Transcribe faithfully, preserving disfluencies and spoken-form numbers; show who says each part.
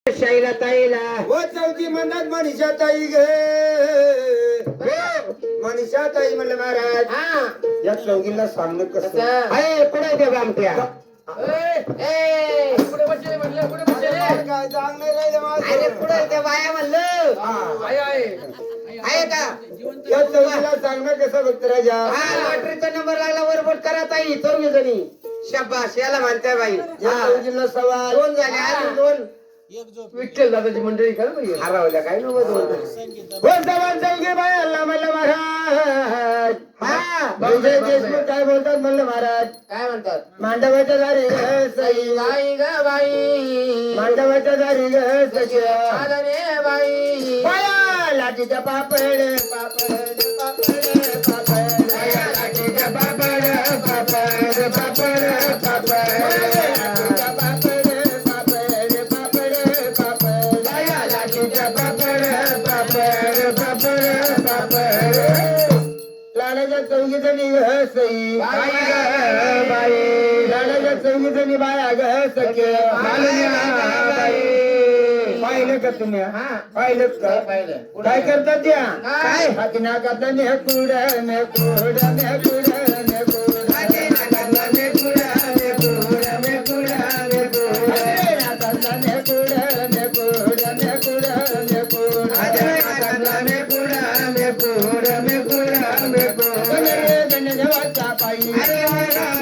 Speaker 1: शाईला ताईला
Speaker 2: व चौथी म्हणतात मनीषा ताई ग मनीषा ताई म्हणलं महाराज
Speaker 1: हा
Speaker 2: या चौघीला सांगणं कसं
Speaker 1: अरे पुढे दे बामट्या
Speaker 3: पुढे बसले म्हणलं पुढे बसले
Speaker 2: काय चांग नाही राहिलं माझं.
Speaker 1: अरे पुढे दे बाया म्हणलं
Speaker 2: हा.
Speaker 3: आहे आहे
Speaker 1: आहे का
Speaker 2: या चौघीला सांगणं कसं भक्त राजा
Speaker 1: हा लॉटरीचा नंबर लागला वरबट करा ताई चौघी जणी शाबास याला म्हणताय बाई
Speaker 2: या
Speaker 1: हा.
Speaker 2: चौघीला सवाल
Speaker 1: दोन झाले अजून दोन
Speaker 3: विठ्ठल दादाची मंडळी का बाई
Speaker 1: हरवल्या काय नव्हतं दोन
Speaker 2: व सवाल चौघी बाय अल्ला म्हणलं महाराज
Speaker 1: हा
Speaker 2: विजय देशमुख काय बोलतात म्हणलं महाराज
Speaker 1: काय म्हणतात
Speaker 2: मांडवाच्या दारी ग सई
Speaker 1: बाई ग बाई
Speaker 2: मांडवाच्या दारी ग सई
Speaker 1: आलं रे बाई
Speaker 2: बाया लाटीच्या पापड पापड पापड पापड बाया लाटीच्या पापड पापड पापड पापड लाटीच्या पापड पापड पापड पापड बाया लाटीच्या पापड पापड पापड पापड लाडाच्या चौघी जणी ग सई बाई ग बाई लाडाच्या चौघी जणी बाया ग सखे बाई पाहिलं का तुम्ही
Speaker 1: हा.
Speaker 2: पाहिलं का
Speaker 1: पाहिलं.
Speaker 2: काय करतात त्या
Speaker 1: काय?
Speaker 2: हाती नाकातला मेकुड मेकुड मेकुड मेकुड हाती नाकातला मेकुड मेकुड मेकुड मेकुड हाती नाकातला मेकुड मेकुड मेकुड मेकुड हाती नाकातला मेकुड मेकुड मेकुड मेकुड गणरे गणदेवाचा पायी